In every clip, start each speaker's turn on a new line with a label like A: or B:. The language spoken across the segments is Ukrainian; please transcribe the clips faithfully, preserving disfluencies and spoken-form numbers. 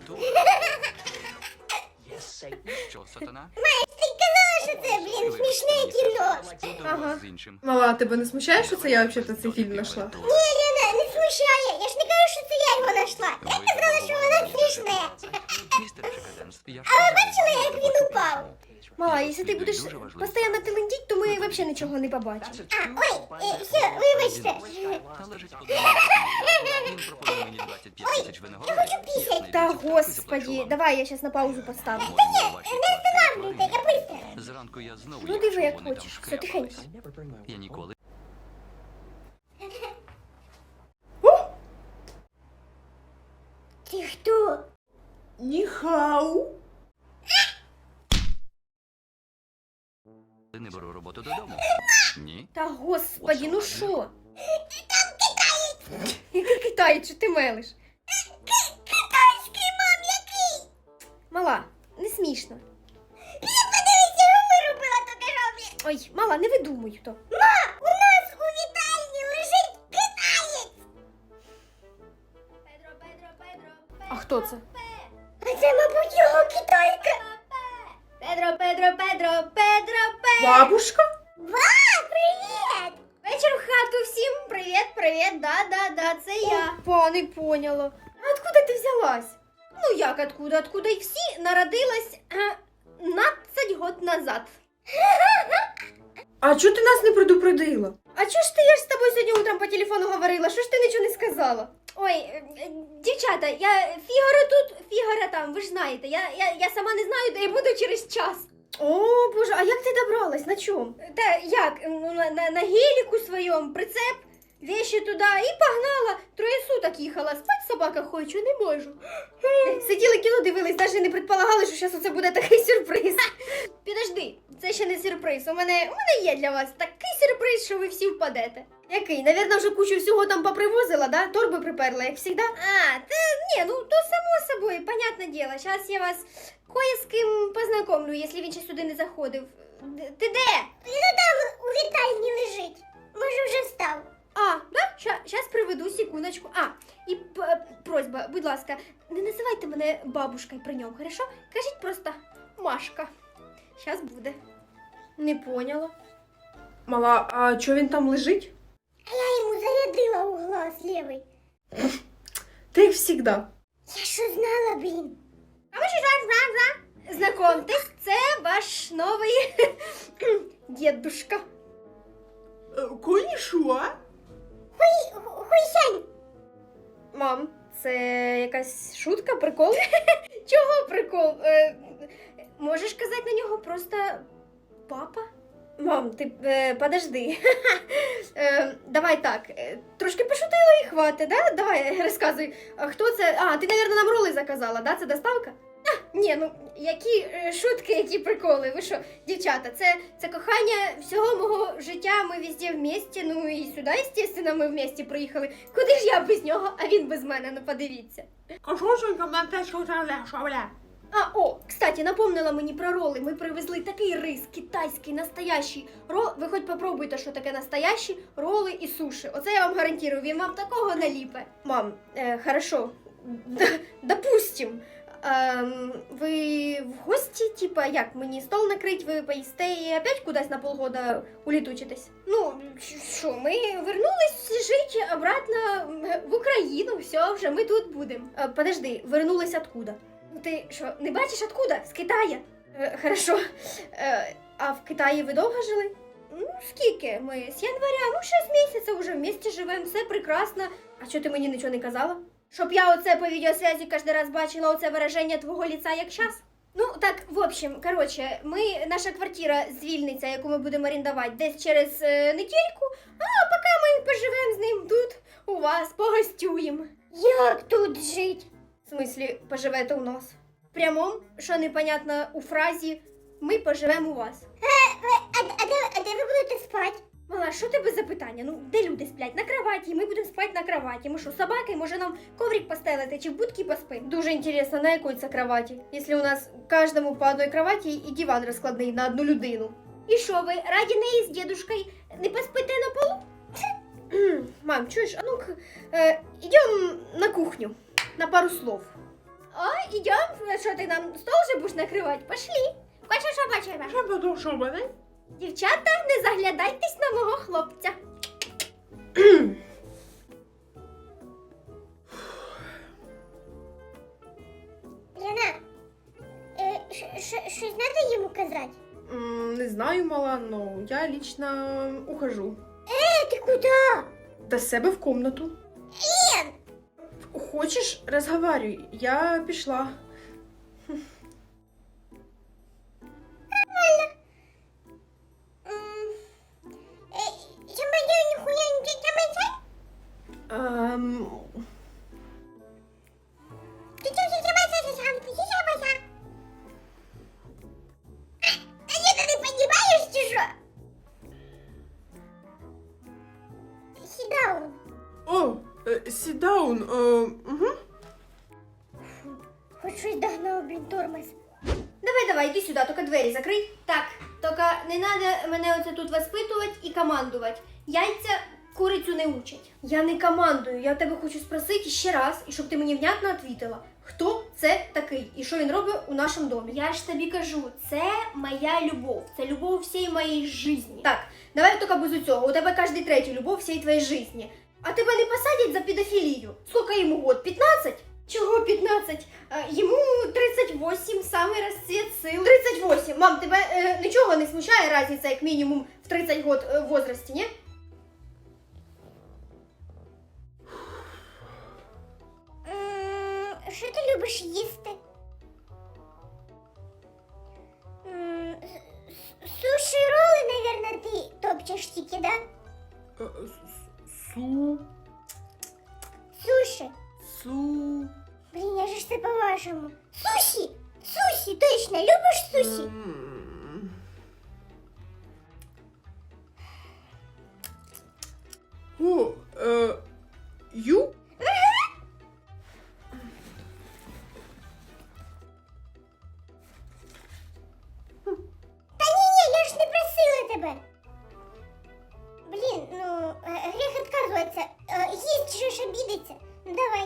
A: презентую. Що, сатана?
B: Що це, блін, смішне кіно.
C: Ага.
A: З іншим.
C: Мала, тебе не смущає, що це я взагалі цей фільм знайшла?
B: Ні, Лена, не смущає. Я ж не кажу, що це я його знайшла. Я сказала, що воно смішне.
A: Містер Шикаденс, я ж
B: А ви
A: казав,
B: бачили, як він упав?
C: Мала, якщо ти будеш
A: Дуже важливо.
C: постійно телендіть, то ми взагалі нічого не побачимо.
B: А, ой, е, все, вибачте.
A: Належить подумати. Він пропонує мені двадцять п'ять тисяч винагороди.
B: хочу пісять.
C: Та господі, давай я зараз на паузу поставлю.
B: Не останавливайте, я быстро.
A: Зранку я знову
C: Ну
A: їх,
C: диви,
A: щоб
C: як
A: вони там
C: хочеш, все
A: шкрябались.
C: тихенько.
A: Я ніколи.
B: Ти хто?
C: Ніхау.
A: Не беру роботу додому. Ні.
C: Та господі, ну що? Там китаєць. Який китаєць, що ти мелиш?
B: Китайський, мам, який?
C: Мала, не смішно.
B: Подивіться, його вирубила тільки що, блін.
C: Ой, мала, не видумуй то.
B: Ма, у нас у вітальні лежить китаєць.
D: Педро, Педро, Педро,
C: А хто це?
B: А це, мабуть, його китайка.
D: Педро, Педро, Педро, Педро, Педро.
C: Бабушка?
B: Ва, привіт.
D: Вечір в хату всім. Привіт, привіт, да, да, да, це я.
C: Опа, не поняла. А откуда ти взялась?
D: Ну як откуда, откуда і всі народилась е, надцять год назад.
C: А чого ти нас не предупредила?
D: А чого ж ти, я ж з тобою сьогодні утром по телефону говорила, що ж ти нічого не сказала? Ой, е, е, дівчата, я Фігаро тут, Фігаро там, ви ж знаєте, я, я, я сама не знаю, де я буду через час.
C: О, боже, а як ти добралась? На чому?
D: Та як, ну, на, на, на геліку своєму, прицеп, вещи туди і погнала. Троє суток їхала, спать собака хоче, не можу.
C: Сиділи кіно, дивились, навіть не предполагали, що зараз оце буде такий сюрприз.
D: Підожди, це ще не сюрприз. У мене, у мене є для вас такий сюрприз, що ви всі впадете.
C: Який? Навірно, вже кучу всього там попривозила, да? Торби приперла, як завжди.
D: А, та ні, ну то само собою, понятне діло. Зараз я вас кое з ким познайомлю, якщо він ще сюди не заходив. Д- Ти де?
B: Він там у вітальні лежить. Може, вже встав.
D: А, да? Зараз приведу, секундочку. А, і п- просьба, будь ласка, не називайте мене бабушкою при ньому, хорошо? Кажіть просто Машка. Зараз буде.
C: Не поняла. Мала, а чого він там лежить?
B: А я йому зарядила у глаз лівий.
C: Ти як завжди.
B: Я що знала, блін.
D: А ви що жа знакомтесь, це ваш новий дідушка.
C: Конішуа?
B: Хуй, хуйсянь.
C: Мам, це якась шутка, прикол?
D: Чого прикол? Е, можеш казати на нього просто папа?
C: Мам, ти е, подожди. е, давай так, е, трошки пошутила і хватить, да? Давай, розказуй. А хто це? А, ти, мабуть, нам роли заказала, да? Це доставка?
D: Ні, ну які е, шутки, які приколи. Ви що, дівчата, це, це кохання всього мого життя. Ми везде вместе. Ну і сюди, звісно, ми вместе приїхали. Куди ж я без нього, а він без мене, ну подивіться. А, о, кстати, напомнила мені про роли. Ми привезли такий рис, китайський, настоящий. Ро... Ви хоч попробуйте, що таке настоящі роли і суші. Оце я вам гарантую, він вам такого наліпе.
C: Мам, е, хорошо, Д- допустим. Ем, ви в гості, типа, як, мені стол накрить, ви поїсте і опять кудись на полгода улітучитесь?
D: Ну, що, ми вернулись жити обратно в Україну, все, вже ми тут будемо.
C: Е, подожди, вернулись откуда?
D: Ну ти що, не бачиш откуда? З Китая.
C: Е, хорошо. Е, а в Китаї ви довго жили?
D: Ну, скільки? Ми з января, ну, шість місяців уже вместе живемо, все прекрасно.
C: А чого ти мені нічого не казала?
D: Щоб я оце по відеосвязі кожен раз бачила оце вираження твого лиця як час. Ну, так, в общем, короче, ми, наша квартира звільниться, яку ми будемо орендувати десь через е, недільку, а поки ми поживемо з ним тут, у вас, погостюємо.
B: Як тут жить?
C: В смислі, поживете у нас?
D: В прямому, що непонятно у фразі, ми поживемо у вас.
B: А, а, де, а де ви будете спати?
D: Мала, що тебе за питання? Ну, де люди сплять? На кроваті, і ми будемо спати на кроваті. Ми що, собаки? Може нам коврик постелити чи в будки поспим?
C: Дуже інтересно, на якій це кроваті? Якщо у нас кожному по одній кроваті і диван розкладний на одну людину.
D: І що ви, раді неї з дідушкою не поспите на полу?
C: Мам, чуєш, а ну-ка, е, йдемо на кухню, на пару слов.
D: А, ідем, що ти нам стол же будеш накривати? Пошли. Хочеш, що бачимо?
C: Що буду, що мене?
D: Дівчата, не заглядайтесь на мого хлопця.
B: Лена, е, ш- ш- щось треба йому казати?
C: М, Не знаю, мала, но я лично ухожу.
B: Е, ти куди?
C: До себе в комнату.
B: Лен!
C: Хочеш, розговарюй, я пішла.
B: М, е, Я маю ніхуя не тримайся?
C: Ем,
B: Ти чого не тримайся, сам? Ти тримайся? А ні, ти не понімаєш, чи що? Сідаун.
C: О, sit down. Угу.
B: Хоч щось догнав, блін, тормоз.
D: Давай, давай, іди сюди, тільки двері закрий. Так, тільки не треба мене оце тут воспитувати і командувати. Яйця курицю не учать. Я не командую, я тебе хочу спросити ще раз, і щоб ти мені внятно відповіла, хто це такий і що він робить у нашому домі. Я ж тобі кажу, це моя любов, це любов всієї моєї житті. Так, давай тільки без цього, у тебе кожен третій любов всієї твоєї житті. А тебе не посадять за педофілію? Скільки йому год? п'ятнадцять? Чого п'ятнадцять? А, йому тридцять вісім, самий розцвіт сил. тридцять вісім. Мам, тебе е, нічого не смущає різниця, як мінімум в тридцять год е, в возрасті, ні?
B: М, Що ти любиш їсти? М, с- с- Суші роли, наверное, ти топчеш тільки, да?
C: Су,
B: Суші.
C: су.
B: Блін, я же ж це по-вашому. Суші! Суші, точно, любиш суші?
C: М. О, е, ю?
B: Та ні-ні, я ж не просила тебе. Блін, ну, е, гріх відказуватися. Е, Їсть же ж обідеться. Ну давай.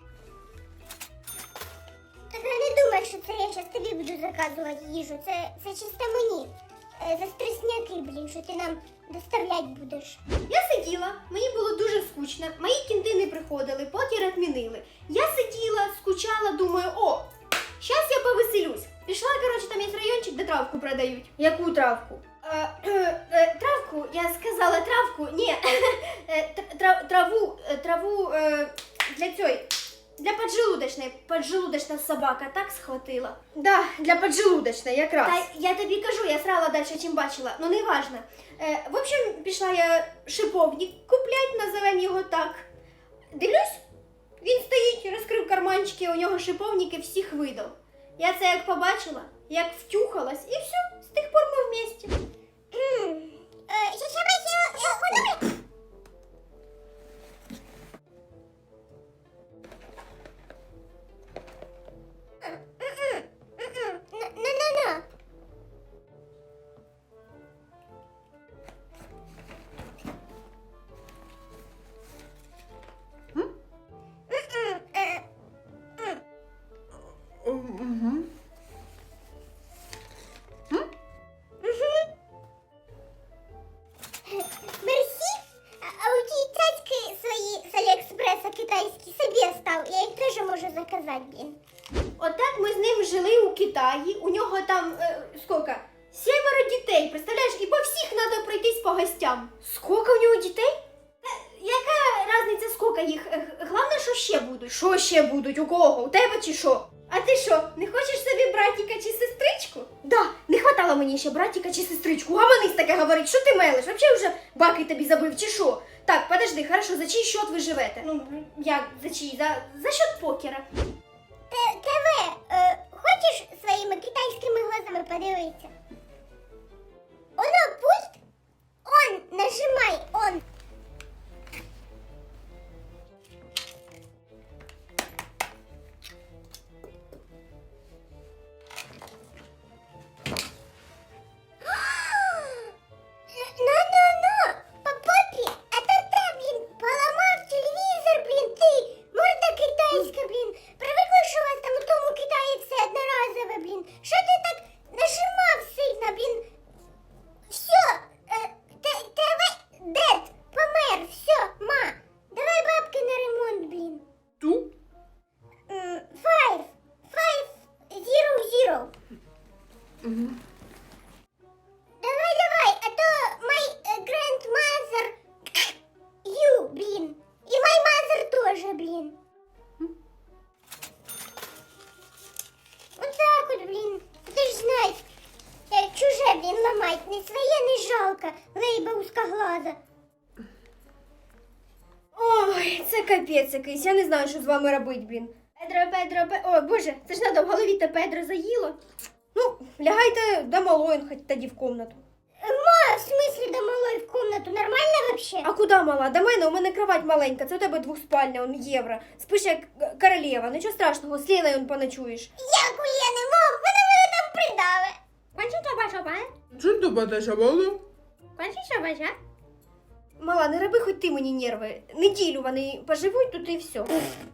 B: Так я не думай, що це я зараз тобі буду заказувати їжу. Це, це чисто мені. Е, За стресняки, блін, що ти нам доставляти будеш.
D: Я сиділа, мені було дуже скучно, мої кінти не приходили, потім відмінили. Я сиділа, скучала, думаю, о, щас я повеселюсь. Пішла, коротше, там є райончик, де травку продають. Яку травку? Е, е, е, травку, я сказала травку, ні, е, тр- трав- траву, е, траву е, для цієї, для поджелудочної, поджелудочна собака так схватила.
C: Да, для поджелудочної якраз.
D: Та я тобі кажу, я срала далі, чим бачила, ну не важно. Е, в общем, пішла я шиповник куплять, називаємо його так. Дивлюсь, він стоїть, розкрив карманчики, у нього шиповники всіх видав. Я це як побачила, як втюхалась, і все, з тих пор ми вместе.
B: М, е, Я ще бачила, е, подумай. М-м, м-м, на-на-на. М-м, е,
C: Угу.
B: Мерсі, а а у ті цяцьки свої з Аліекспреса китайські собі став. Я їх теж можу заказати, блін.
D: Отак ми з ним жили у Китаї, у нього там, е, скільки? Сімеро дітей, представляєш, і по всіх треба пройтись по гостям. Скільки у нього дітей? Та яка різниця, скільки їх? Е, г- Головне, що ще будуть. Що ще будуть? У кого? У тебе чи що? А ти що, не хочеш собі братіка чи сестричку? Да, не хватало мені ще братіка чи сестричку. Гаманись таке говорить, що ти мелиш? Вообще вже баки тобі забив чи що? Так, подожди, хорошо, за чий счет ви живете? Ну, як за чий? За, за счет покера.
B: Т- ТВ, е, хочеш своїми китайськими глазами подивитися? Оно пульт? Он, нажимай, он. Ну-ну-ну, по попі, а то ти, блін, поламав телевізор, блін, ти, морда китайська, блін. Привикла, що у вас там у тому
C: це капець якийсь, я не знаю, що з вами робити, блін.
D: Педро, Педро, Педро. О, боже, це ж надо в голові те Педро заїло.
C: Ну, лягайте до малої, хоч тоді в комнату.
B: Ма, в смысле до малой в комнату? Нормально вообще?
C: А куди мала? До мене, у мене кровать маленька, це у тебе двохспальня, он євро. Спиш як королева, нічого страшного, з Леною он поночуєш.
B: Як у Лени, мам, вона мене там придаве.
D: Кончить бача,
E: Dzień dobry, Dasia Bolu.
D: кончить бача.
C: Мала, не роби хоч ти мені нерви. Неділю вони поживуть тут і все.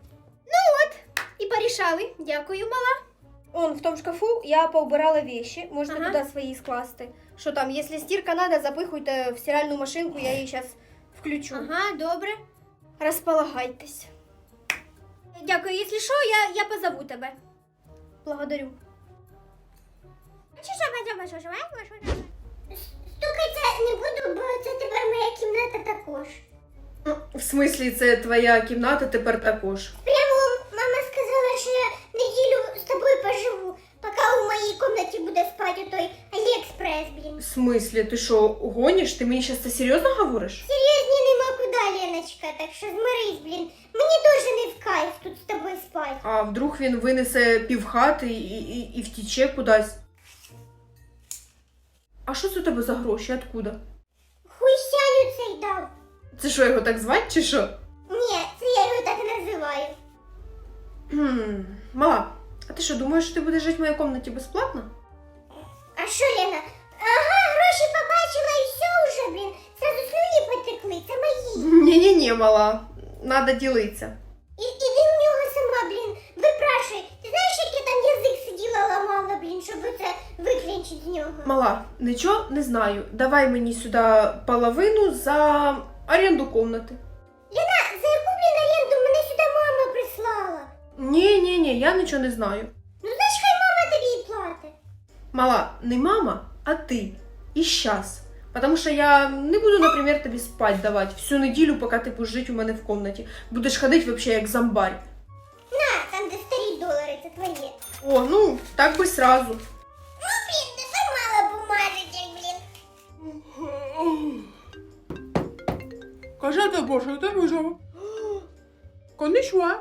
D: І порішали. Дякую, мала.
C: Он в тому шкафу я поубирала вещи, можете
D: Ага.
C: туди свої скласти. Що там, якщо стирка надо, запихуйте в стиральну машинку, я її зараз включу.
D: Ага, добре.
C: Розполагайтесь.
D: Дякую, якщо що, я, я позову тебе.
C: Благодарю.
D: Кончить бача, бача, бача, бача.
B: Стукатися не буду, бо це тепер моя кімната також.
E: В смислі, це твоя кімната тепер також.
B: Прямо мама сказала, що я неділю з тобою поживу, поки у моїй кімнаті буде спати той Аліекспрес, блін.
E: В смислі, ти що, гониш? Ти мені зараз це серйозно говориш?
B: Серйозні нема куди, Леночка, так що змирись, блін. Мені дуже не в кайф тут з тобою спати.
E: А вдруг він винесе півхати і, і, і втіче кудись? А що це у тебе за гроші? Откуда?
B: Хуйсяню цей дав.
E: Це що, його так звати чи що?
B: Ні, це я його так називаю.
E: Хм, мала, а ти що, думаєш, що ти будеш жити в моїй кімнаті безплатно?
B: А що, Лена? Ага, гроші побачила і все уже, блін. Сразу слюні потекли, це мої.
E: Ні-ні-ні, мала, надо ділитися.
B: І, іди у нього сама, блін, випрашуй. Ти знаєш, як я там язик сиділа, ламала, блін, щоб це виклінчити з нього?
E: Мала, нічого не знаю. Давай мені сюди половину за оренду кімнати.
B: Лена, за яку, блін, оренду мене сюди мама прислала?
E: Ні-ні-ні, я нічого не знаю.
B: Ну, значить, хай мама тобі і платить.
E: Мала, не мама, а ти. І щас. Потому що я не буду, наприклад, тобі спать давати всю неділю, поки ти будеш жити у мене в кімнаті. Будеш ходити взагалі як зомбарь.
B: На, там де старі долари, це твоє.
E: О, ну, так би сразу.
B: Ну, блін, ти сама бумажечек, блін.
E: Кажете, Боже, ти вижив. Конічва.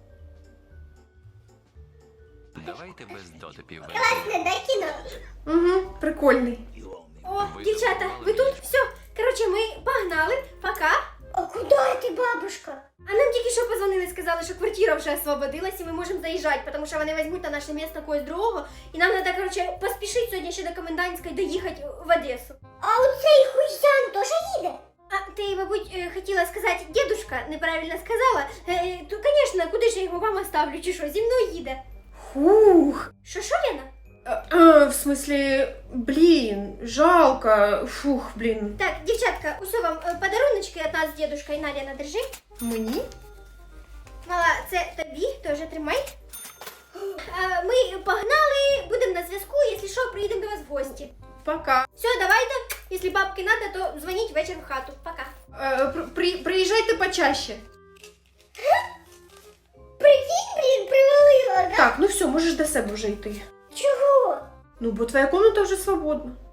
A: Давайте без дотипів.
B: Класне, да, кіно?
E: Угу, прикольний.
D: О, дівчата, ви тут? Все. Коротше, ми погнали. Пока.
B: А куди ти, бабушка?
D: А нам тільки що позвонили, сказали, що квартира вже освободилась і ми можемо заїжджати, тому що вони візьмуть на наше місце когось другого. І нам треба, коротше, поспішити сьогодні ще до комендантської доїхати в Одесу.
B: А оцей хуйсян теж їде?
D: А ти, мабуть, е, хотіла сказати, дедушка неправильно сказала. Е, то, звісно, куди ж я його вам оставлю, чи що, зі мною їде.
E: Фух.
D: Що, що, Лена?
E: А, а, в смислі, блін, жалко. Фух, блін.
D: Так, дівчатка, усе вам е, подаруночки від нас з дедушкою, на, Лена, держи.
E: Мені?
D: Мала, це тобі, теж тримай. А, ми погнали, будемо на зв'язку, якщо що, приїдемо до вас в гості.
E: Пока.
D: Все, давайте, якщо бабки надо, то дзвоніть вечір в хату. Пока.
E: Е, при, при, приїжджайте почаще.
B: Прикинь, блін, привалила, да?
E: Так, ну все, можеш до себе вже йти.
B: Чого?
E: Ну, бо твоя кімната вже свободна.